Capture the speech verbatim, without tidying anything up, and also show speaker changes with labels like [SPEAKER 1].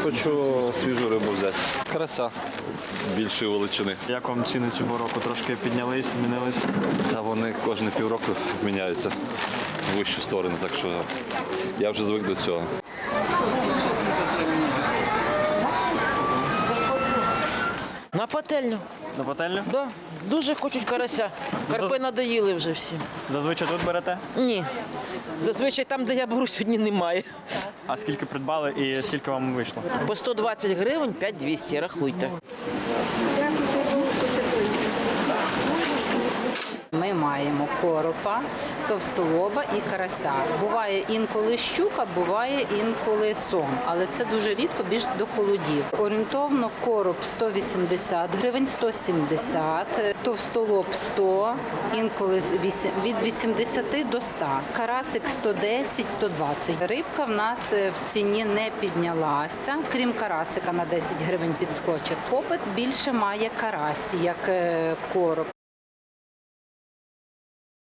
[SPEAKER 1] хочу свіжу рибу взяти. Карася більшої величини.
[SPEAKER 2] Як вам ціни цього року? Трошки піднялись, змінились?
[SPEAKER 1] Та вони кожні півроку міняються в вищу сторону, так що я вже звик до цього.
[SPEAKER 3] На пательню.
[SPEAKER 2] На пательню?
[SPEAKER 3] Да. Дуже хочуть карася. Карпи надоїли вже всі.
[SPEAKER 2] Зазвичай тут берете?
[SPEAKER 3] Ні. Зазвичай там, де я беру, сьогодні немає.
[SPEAKER 2] А скільки придбали і скільки вам вийшло?
[SPEAKER 3] По сто двадцять гривень, п'ять двісті, рахуйте.
[SPEAKER 4] Ми маємо коропа, товстолоба і карася. Буває інколи щука, буває інколи сом, але це дуже рідко, більш до холодів. Орієнтовно короб сто вісімдесят гривень, сто сімдесят, товстолоб сто, інколи від вісімдесят до ста. Карасик сто десять - сто двадцять. Рибка в нас в ціні не піднялася, крім карасика на десять гривень підскочив. Попит більше має карась, як короб.